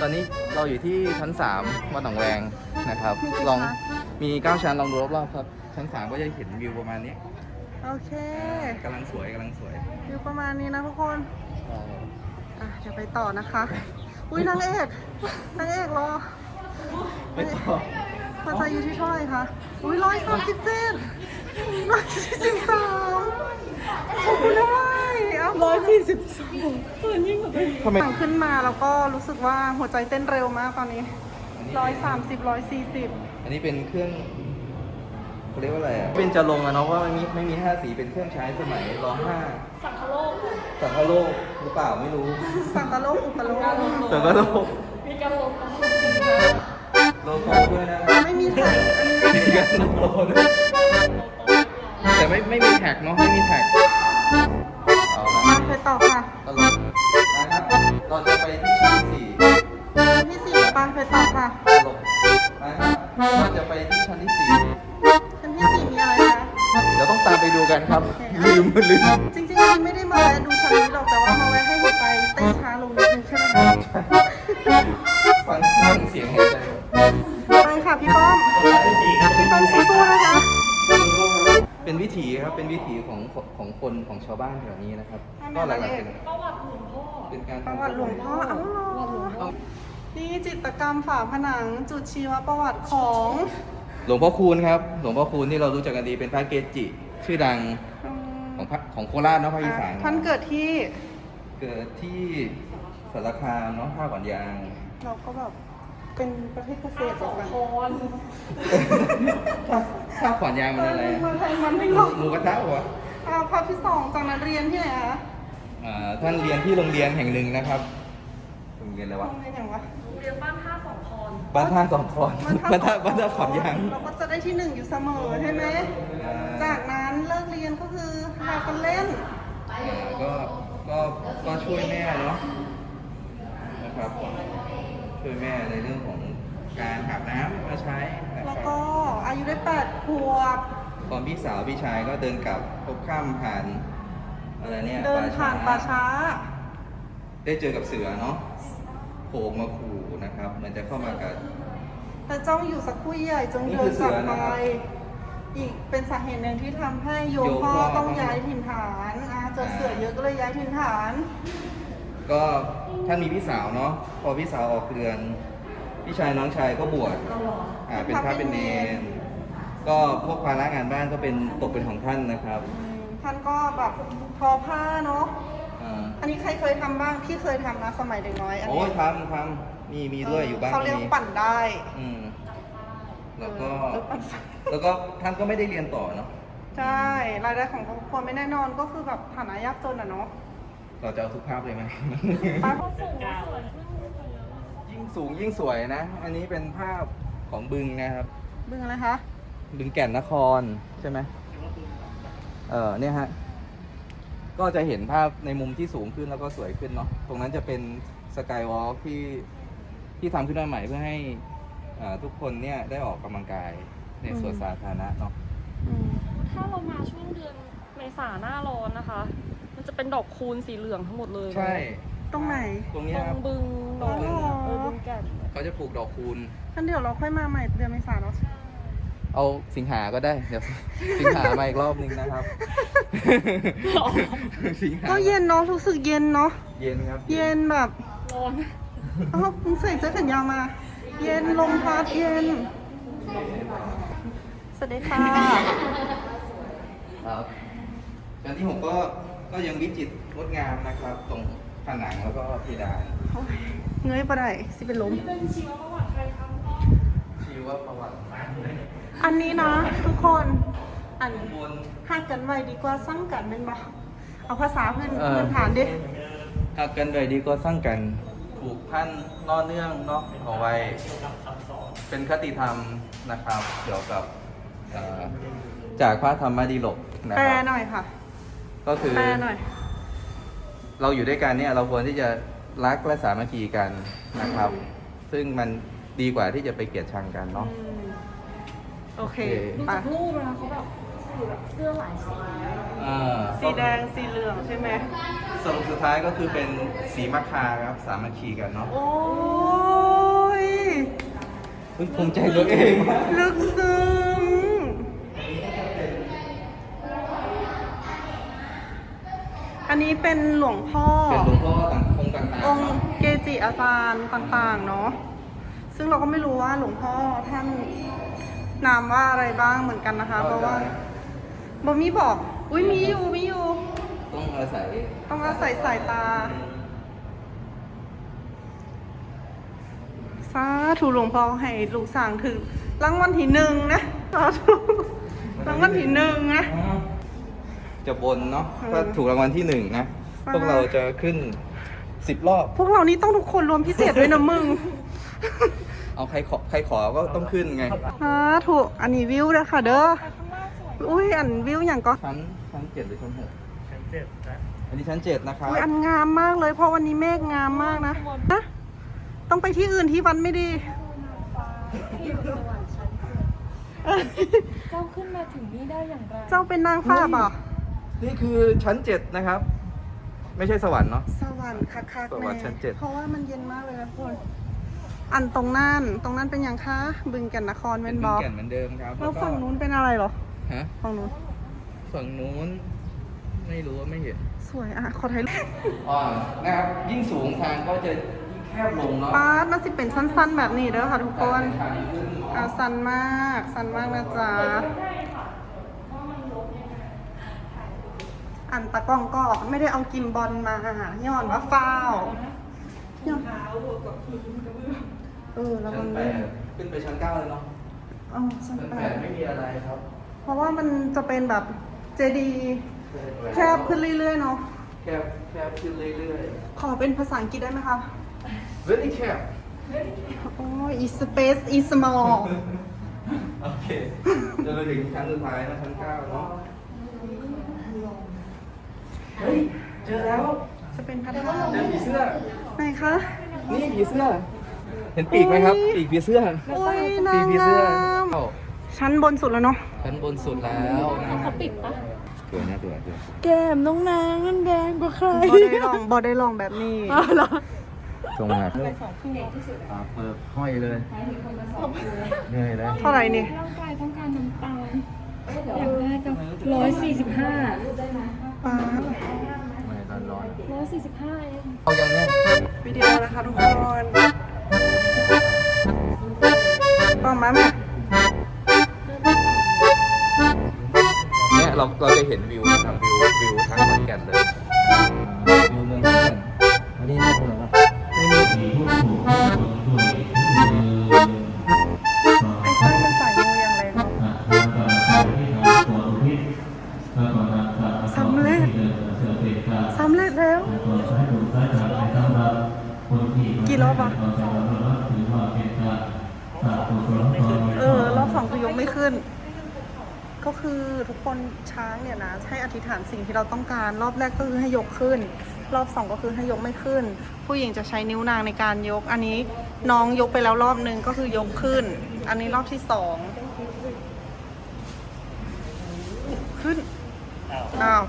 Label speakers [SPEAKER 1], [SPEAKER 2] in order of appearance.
[SPEAKER 1] อนนี้เราอยู่ที่ชั้น3วัดหนองแวงนะครับลองมี9ชั้นลองดูรอบๆครับชั้น3ก็จะเห็นวิวประมาณนี้
[SPEAKER 2] โอเค
[SPEAKER 1] กำลังสวย
[SPEAKER 2] วิวประมาณนี้นะทุกคน
[SPEAKER 1] ใช่
[SPEAKER 2] เดี๋ยวไปต่อนะคะ อุ้ยนางเอกรอ
[SPEAKER 1] ไปต่อ
[SPEAKER 2] ภาษาอยู่ที่เท่าไหร่คะ อุ้ย137 143ขอบคุณด้วย142
[SPEAKER 1] ทำไม
[SPEAKER 2] สั่งขึ้นมาแล้วก็รู้สึกว่าหัวใจเต้นเร็วมากตอนนี้130 140
[SPEAKER 1] อันนี้เป็นเครื่องเขาเรียกว่าอะไรอ่ะเป็นจะลงอะเนาะว่าไม่มี5 สีเป็นเครื่องใช้สมัยร.5สังคโลกหรือเปล่าไม่รู้
[SPEAKER 2] สังกะโลกอุปโลก
[SPEAKER 1] สังคโลกมีการลงโลโก้ด้วยนะครับ
[SPEAKER 2] ไม่มีแท็กอันนี้
[SPEAKER 1] มีการโลโก้ด้วยแต่ไม่มีแท็กเนาะไม่มีแท็กเอาละ
[SPEAKER 2] มาไปต่อค่ะ
[SPEAKER 1] ตลกนะครับเราจะไปที่ชั้น4
[SPEAKER 2] ชั้นที่4ไปต่อค่ะ
[SPEAKER 1] ตลกนะครับเราจะไปที่ชั้นที่4
[SPEAKER 2] ชั้นที่4มีอะไรคะ
[SPEAKER 1] เดี๋ยวต้องตามไปดูกันครับ ลืม
[SPEAKER 2] จริงๆอันนี้ไม่ได้มาแวะดูชั้นนี้หรอกแต่ว่ามาแวะให้หัวใจเต้นช้าลงนิดนึงใช่ไหมคะ
[SPEAKER 1] ฟังเสียงหายใจ
[SPEAKER 2] ไปค่ะพี่ป้อมสู้ๆนะคะ
[SPEAKER 1] เป็นวิถีครับเป็นวิถีของคนของชาวบ้านแถวนี้นะครับ ก็หลักๆเป็นประวัติหลวงพ่อเป็นการ
[SPEAKER 2] ประวัติหลวงพ่ออ้าวเหรอนี่จิตรกรรมฝาผนังจุดชีวประวัติของ
[SPEAKER 1] หลวงพ่อคูณครับหลวงพ่อคูณที่เรารู้จักกันดีเป็นพระเกจิ ชื่อดัง
[SPEAKER 2] อืม
[SPEAKER 1] ของโคราชเนาะภาคอีสาน
[SPEAKER 2] ท่านเกิดที่
[SPEAKER 1] เกิดที่สารคามเนาะท่าขวัญยาง
[SPEAKER 2] เราก็แบบเป็นประเทศเกษตรเหมือนกัน
[SPEAKER 1] ท่าขวัญยางมันอะไร
[SPEAKER 2] เมืองไทยมันไม่หรอก
[SPEAKER 1] หมูกระทะเหรอ
[SPEAKER 2] ภาพที่2จากนั้นเรียนที่ไหนคะ
[SPEAKER 1] ท่านเรียนที่โรงเรียนแห่งหนึ่งนะครับโรงเรียนอะไรวะ
[SPEAKER 2] โรงเรียนอย่างวะ
[SPEAKER 1] บ้านท่าสองคอนบ้านท่าขวัญยาง
[SPEAKER 2] เราก็จะได้ที่ 1อยู่เสมอใช่ไหมจากนั้นเลิกเรียนก็คือพากันเล่น
[SPEAKER 1] ก็ช่วยแม่เนาะนะครับช่วยแม่ในเรื่องของการหาน้ำมาใช้นะค
[SPEAKER 2] แล้
[SPEAKER 1] รั
[SPEAKER 2] ว
[SPEAKER 1] บ
[SPEAKER 2] ก็อายุได้8 ขวบ
[SPEAKER 1] ตอนพี่สาวพี่ชายก็เดินกลับพบข้ามผ่านอะไรเนี่ย
[SPEAKER 2] เดินผ่านป่าช้า
[SPEAKER 1] ได้เจอกับเสือเนาะโผล่มาขู่นะครับเหมือนจะเข้ามากัด
[SPEAKER 2] แต่จ้องอยู่สักครู่ใหญ่จง
[SPEAKER 1] นี่
[SPEAKER 2] เดิ
[SPEAKER 1] คื
[SPEAKER 2] น
[SPEAKER 1] อก เสื
[SPEAKER 2] ลับ
[SPEAKER 1] อ
[SPEAKER 2] ไป
[SPEAKER 1] นะครับ
[SPEAKER 2] อีกเป็นสาเหตุหนึ่งที่ทำให้โยมพ่อต้องย้ายถิ่นฐานเจอเสือเยอะก็เลยย้ายถิ่นฐาน
[SPEAKER 1] ก็ท่านมีพี่สาวเนาะพอพี่สาวออกเรือนพี่ชายน้องชายก็บวชเป็นพระเป็นเนรก็พวกภาระงานบ้านก็เป็นตกเป็นของท่านนะครับ
[SPEAKER 2] ท่านก็แบบทอผ้าเนาะ
[SPEAKER 1] อ่า
[SPEAKER 2] อันนี้ใครเคยทำบ้างพี่เคยทำนะสมัยเด็กน้อยอัน
[SPEAKER 1] โอ้
[SPEAKER 2] นี้
[SPEAKER 1] ยทำมีด้วยอยู่บ้าน
[SPEAKER 2] เขาเรียกปั่นได้
[SPEAKER 1] อืมแล้วก็
[SPEAKER 2] ปั่นไฟ
[SPEAKER 1] แล้วก็ท่านก็ไม่ได้เรียนต่อเนาะ
[SPEAKER 2] ใช่รายได้ของครอบครัวไม่แน่นอนก็คือแบบฐานะยากจนอ่ะเนาะ
[SPEAKER 1] เราจะเอาทุกภาพเลยไหม
[SPEAKER 2] ไป
[SPEAKER 1] ยิ่งสูงยิ่งสวยนะ อันนี้เป็นภาพของบึงนะครับ
[SPEAKER 2] บึงอะไรคะ
[SPEAKER 1] บึงแก่นนครใช่ไหมเนี่ยฮะ ก็จะเห็นภาพในมุมที่สูงขึ้นแล้วก็สวยขึ้นเนาะ ตรงนั้นจะเป็นสกายวอล์กที่ทำขึ้นมาใหม่เพื่อให้ทุกคนเนี่ยได้ออกกำลังกายในสวนสาธารณะเนาะ
[SPEAKER 3] ถ้าเรามาช่วงเดือนเมษาหน้าร้อนนะคะ มันจะเป็นดอกคูณสีเหลืองทั้งหมดเลย
[SPEAKER 1] ใช่
[SPEAKER 2] ตรงไหน
[SPEAKER 1] ตรงเนี้
[SPEAKER 3] ต
[SPEAKER 1] ย
[SPEAKER 3] ร
[SPEAKER 1] ครับ
[SPEAKER 3] งบึง
[SPEAKER 2] อ๋อ
[SPEAKER 3] บึงแก่น
[SPEAKER 1] เขาจะปลูกดอกคูณ
[SPEAKER 2] งั้นเดี๋ยวเราค่อยมาใหม่เดือนเมษาเนาะ
[SPEAKER 1] เอาสิงหาก็ได้ เดี๋ยว สิงหามาอีกรอบนึงนะครับ สิงหา
[SPEAKER 2] ก็เย็นเนาะรู้สึกเย็นเนาะ
[SPEAKER 1] เย็นครับ
[SPEAKER 2] เย็นแบบ
[SPEAKER 3] ร้อน
[SPEAKER 2] อ้าวมึงใส่เสื้อแขนยาวมา เย็นลมพัดเย็น สวัสดีค่ะ
[SPEAKER 1] ครับชั้นที่ 6ก็ยังวิจิตรงดงามนะครับ ตรงผนังแล้วก็เพดาน
[SPEAKER 2] โอ้ยเงยปะได้สิเป็นลม
[SPEAKER 3] เป็นชีวประวัติใครทำก็
[SPEAKER 1] ชีวประวัติ
[SPEAKER 2] อันนี้นะทุกคน อัน
[SPEAKER 1] ข้างบน
[SPEAKER 2] หักกันไว้ดีกว่าสั่งกันเป็นบ่เอาภาษาพื้น
[SPEAKER 1] เออ
[SPEAKER 2] พื้นฐานดิ
[SPEAKER 1] หากกันเลยดีก็สร้างกันผูกพันน่อเนื่องเนาะเอาไว้ เป็นคติธรรมนะครับ เกี่ยวกับจากพระธรรมดีโลกนะ
[SPEAKER 2] แปล
[SPEAKER 1] ครับ
[SPEAKER 2] หน่อยค่ะ
[SPEAKER 1] ก็คือ
[SPEAKER 2] แปลหน่อย
[SPEAKER 1] เราอยู่ด้วยกันเนี่ยเราควรที่จะรักและสามัคคีกันนะครับ ซึ่งมันดีกว่าที่จะไปเกลียดชังกันเนาะ
[SPEAKER 2] โอเค
[SPEAKER 1] โอเค
[SPEAKER 3] ดู
[SPEAKER 2] ไป
[SPEAKER 3] จากรูปนะเขาแบบคือแบบเสื้อหลายสี
[SPEAKER 2] สีแดงสีเหลืองใช่ไหม
[SPEAKER 1] สรุปสุดท้ายก็คือเป็นสีมะคาครับสามัคคีกันเนาะ
[SPEAKER 2] โอ้ย
[SPEAKER 1] เฮ้ยภูมิใจตัวเองมาก
[SPEAKER 2] ลึกซึ้งอันนี้เป็นหลวงพ่อ
[SPEAKER 1] เป็นหลวงพ่อต่างองค์ต่างๆ
[SPEAKER 2] องค์
[SPEAKER 1] เนาะ
[SPEAKER 2] เกจิอาจารย์ต่างๆ เนาะ ซึ่งเราก็ไม่รู้ว่าหลวงพ่อท่านนามว่าอะไรบ้างเหมือนกันนะคะ เพราะว่าบมีบอก อุ้ยมีอยู่
[SPEAKER 1] ต้องอาศัย
[SPEAKER 2] ต้องอาศัยสายตา สาธุหลวงพ่อให้ลูกสั่งถึงรางวัลที่หนึ่งนะสาธุรางวัลที่หนึ่งนะ
[SPEAKER 1] จะบนเนาะถ้าถูกรางวัลที่หนึ่งนะ
[SPEAKER 2] อ่า
[SPEAKER 1] พวกเราจะขึ้น10 รอบ
[SPEAKER 2] พวกเรานี่ต้องทุกคนรวมพิเศษด้วยนะมึง
[SPEAKER 1] เอาใครขอก็ต้องขึ้นไง
[SPEAKER 2] สาธุอันนี้วิวนะค่ะเด้อ อุ้ยอันวิวอย่างก็
[SPEAKER 1] ชั้น7หรือชั้น6ชั้น7นะอันนี้ชั้น7นะครับ
[SPEAKER 2] อุ้ยอันงามมากเลยเพราะวันนี้เมฆงามมากนะนะต้องไปที่อื่นที่วันไม่ดี
[SPEAKER 3] ที่อยู่สวรรค์ชั้นเจ้าขึ้นมาถึงนี่ได้อย่างไร
[SPEAKER 2] เจ้าเป็นนางฟ้าเปล่า
[SPEAKER 1] นี่คือชั้น7นะครับ ไม่ใช่สวรรค์เนาะ
[SPEAKER 2] สวรรค์คักๆ
[SPEAKER 1] สวรรค์ชั้นเจ็ด
[SPEAKER 2] เพราะว่ามันเย็นมากเลยนะทุกคน อันตรงนั้นเป็นยังคะบึงแก่นนคร
[SPEAKER 1] เป็
[SPEAKER 2] เป็น น
[SPEAKER 1] บึ
[SPEAKER 2] บ
[SPEAKER 1] ง
[SPEAKER 2] อ
[SPEAKER 1] แก่นเหมือนเดิมครับ
[SPEAKER 2] แล้ว
[SPEAKER 1] ก็
[SPEAKER 2] ฝั่งนู้นเป็นอะไรเหรอ
[SPEAKER 1] ฮะ
[SPEAKER 2] ฝั่งนู้น
[SPEAKER 1] ฝั่งนู้น ไม่รู้ว่าไม่เห็น
[SPEAKER 2] สวยอ่ะขอถ่ายรูป
[SPEAKER 1] อ๋อนะครับยิ่งสูงทางก็จะยิ่งแคบลงเนาะ
[SPEAKER 2] ปาดน่าสิเป็นสั้นๆแบบนี้เด้อค่ะทุกคน
[SPEAKER 1] ทางขึ้น
[SPEAKER 2] อ่ะสั้นมากนะจ๊ะอันตะกล้องก็ไม่ได้เอากิมบอลมาย้อนว่าฟาวย้อนแล้ว
[SPEAKER 1] ชั้
[SPEAKER 2] มัน น
[SPEAKER 1] 8ขึ้นไปชั้น9เลยเนาะ
[SPEAKER 2] อ๋อชั้น
[SPEAKER 1] ชั้น
[SPEAKER 2] แปด
[SPEAKER 1] 8ไม่มีอะไรครับ
[SPEAKER 2] เพราะว่ามันจะเป็นแบบเจดีย์แคบขึ้นเรื่อยๆเนาะ
[SPEAKER 1] แคบขึ้นเรื่อย
[SPEAKER 2] ขอเป็นภาษาอังกฤษได้ไหมคะ
[SPEAKER 1] ๆ very แคบ
[SPEAKER 2] โอ้ย is space is small
[SPEAKER 1] โอเคจนไปถึงชั้นสุดท้ายนะชั้น9เนาะเฮ้ยเจอแล้ว
[SPEAKER 2] จะเป็นพระธา
[SPEAKER 1] เจ
[SPEAKER 2] ตุ
[SPEAKER 1] อผีเสื้อ
[SPEAKER 2] ไหนคะ
[SPEAKER 1] นี่ผีเสื้อ เห็นปีกไหมครับ ปีกผีเสื้อ
[SPEAKER 2] โอ้ย
[SPEAKER 1] ปี
[SPEAKER 2] นาก ง
[SPEAKER 1] ผี
[SPEAKER 2] ง
[SPEAKER 1] เสื้อ
[SPEAKER 2] าม
[SPEAKER 1] เข้า
[SPEAKER 2] ชั้นบนสุดแล้วเนาะ
[SPEAKER 1] ชั้นบนสุดแล้วนะ
[SPEAKER 3] เขาปิดปะ
[SPEAKER 1] ตัวนะตัว
[SPEAKER 3] แก้มน้องนางนั่นแดงกว่าใคร
[SPEAKER 2] บอได้ลองแบบนี้
[SPEAKER 3] เหรอ
[SPEAKER 1] ตรงมาเปิดห้อยเลยเหนื่อยเลย
[SPEAKER 2] เท่าไหร่นี่
[SPEAKER 3] ร่างกายต้องการน้ำตาลอย่างแรกก็145
[SPEAKER 2] ปาด
[SPEAKER 1] ไม่ร้อน
[SPEAKER 3] 145เอง
[SPEAKER 1] เอาอย่างเนี้ย
[SPEAKER 2] วิดีโอนะคะทุกคนบอกมาแม่
[SPEAKER 1] เนี่ยเราจะเห็นวิวนะครับวิวทั้งขอนแก่นเลยวิวเมืองขอนแก่นอันนี้ไม่ถูกหรอครับไม่มี
[SPEAKER 2] ไอ้ต้นมันใส่มืออย่างไรเนาะสำเร็จแล้วกี่รอบอะรอบ 2คือยกไม่ขึ้น ก็คือทุกคนช้างเนี่ยนะให้อธิษฐานสิ่งที่เราต้องการ รอบแรกก็คือให้ยกขึ้น รอบ 2ก็คือให้ยกไม่ขึ้น ผู้หญิงจะใช้นิ้วนางในการยก อันนี้น้องยกไปแล้วรอบนึงก็คือยกขึ้น อันนี้รอบที่ 2 ขึ้นอ้าว